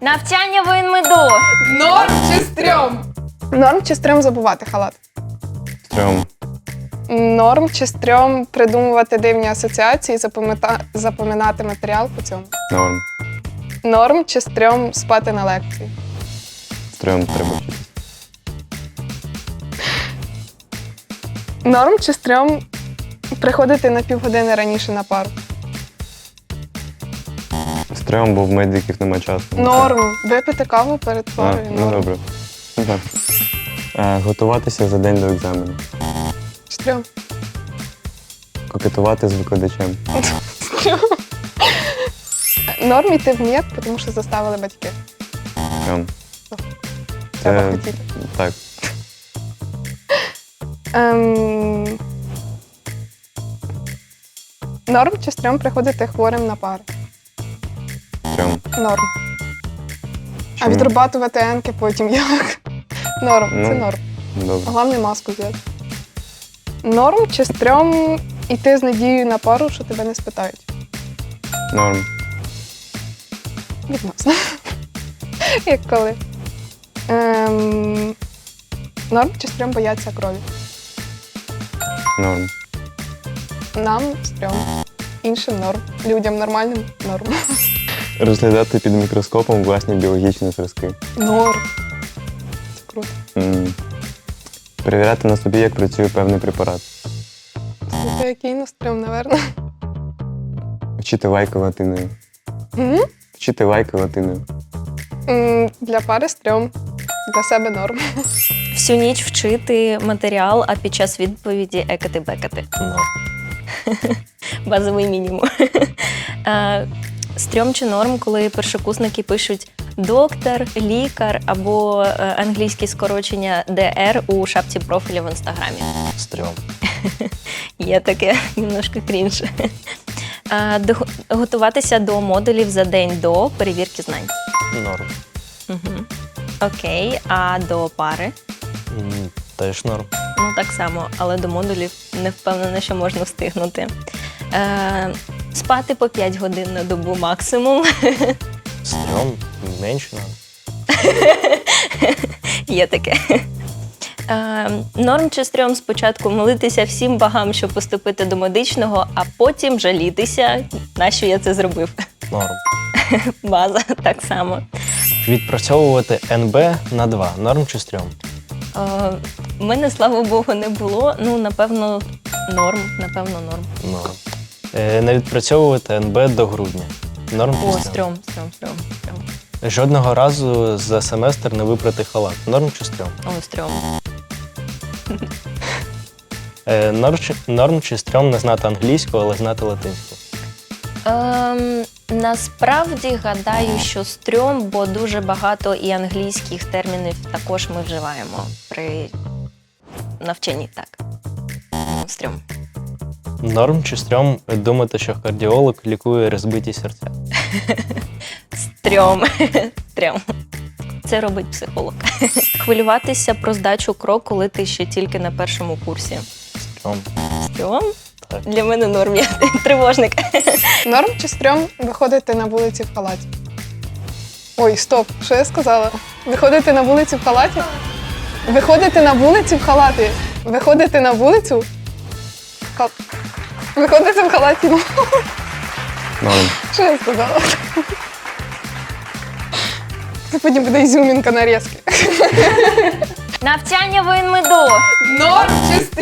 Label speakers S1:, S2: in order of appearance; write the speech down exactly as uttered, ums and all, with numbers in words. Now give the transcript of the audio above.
S1: Навчання в інмеду.
S2: Норм чи стрьом? Норм чи стрьом забувати халат?
S3: Стрьом.
S2: Норм чи стрьом придумувати дивні асоціації, запам'ята- запам'ятати матеріал по цьому?
S3: Норм.
S2: Норм чи стрьом спати на лекції?
S3: Стрьом треба вчитися.
S2: Норм чи стрьом приходити на півгодини раніше на пару?
S3: Стрьом, бо в медиків нема часу.
S2: Норм. Випити каву перед
S3: А,
S2: парою.
S3: ну
S2: Норм.
S3: добре. Ну, так. Е, Готуватися за день до екзамену.
S2: Стрьом.
S3: Кокетувати з викладачем.
S2: Норм іти в МІЕК, тому що заставили батьки.
S3: Стрьом.
S2: Треба
S3: Е,
S2: хотіти.
S3: Так.
S2: Ем... Норм чи стрьом приходити хворим на пари?
S3: Стрьом.
S2: Норм. А
S3: Чому?
S2: відрабатувати енки потім як? Норм, це
S3: Ну.
S2: норм.
S3: Добре.
S2: Головне маску взяти. Норм чи стрьом іти з надією на пару, що тебе не спитають?
S3: Норм.
S2: Відносно. Як коли. Ем... Норм чи стрьом бояться крові?
S3: Норм.
S2: Нам стрьом. Іншим норм. Людям нормальним норм.
S3: Розглядати під мікроскопом власні біологічні зразки.
S2: Норм. Це круто.
S3: М. Перевіряти на собі, як працює певний препарат.
S2: Це який на стрьом, напевно.
S3: Вчити лайки латиною.
S2: М?
S3: Вчити лайки латиною.
S2: М, Для пари стрьом. Для себе норм.
S1: Всю ніч вчити матеріал, а під час відповіді екати-бекати. Базовий мінімум. Е, Стрьом чи норм, коли першокурсники пишуть доктор, лікар або е, англійське скорочення де ер у шапці профіля в інстаграмі.
S4: Стрьом.
S1: Є таке, немножко крінж. Е, до- Готуватися до модулів за день до перевірки знань.
S4: Норм.
S1: Угу. Окей, а до пари?
S4: М, Теж норм.
S1: Ну, так само, але до модулів не впевнена, що можна встигнути. Е, спати по п'ять годин на добу максимум.
S4: Стрьом. Менше норм.
S1: Є таке. Е, норм чи стрьом спочатку молитися всім богам, щоб поступити до медичного, а потім жалітися, нащо я це зробив.
S4: Норм.
S1: База так само.
S4: Відпрацьовувати ен бе на два. Норм чи стрьом?
S1: Е, в мене, слава Богу, не було. Ну, напевно, норм. Напевно, норм.
S4: Норм. Е, Не відпрацьовувати ен бе до грудня. Норм чи
S1: О,
S4: стрьом?
S1: стрьом, стрьом, стрьом, стрьом.
S4: Жодного разу за семестр не випрати халат. Норм чи стрьом?
S1: О, стрьом.
S4: Е, Норм чи, норм чи стрьом не знати англійську, але знати латинську?
S1: Ем, насправді гадаю, що стрьом, бо дуже багато і англійських термінів також ми вживаємо при навчанні. Так. Ну, стрьом.
S4: Норм чи стрьом думати, що кардіолог лікує розбиті серця?
S1: Стрьом. Стрьом. Це робить психолог. Хвилюватися про здачу крок, коли ти ще тільки на першому курсі.
S4: Стрьом.
S1: Стрьом?
S4: Так.
S1: Для мене норм, я тривожник.
S2: Норм чи стрьом виходити на вулиці в халаті? Ой, стоп, що я сказала? Виходити на вулицю в халаті? Виходити на вулицю в халаті? Виходити на вулицю? в хал- Виходити в халаті? Ну,
S3: Норм.
S2: що я сказала? Це потім буде ізюмінка нарізки.
S1: Навчання в інмеду.
S2: Норм чи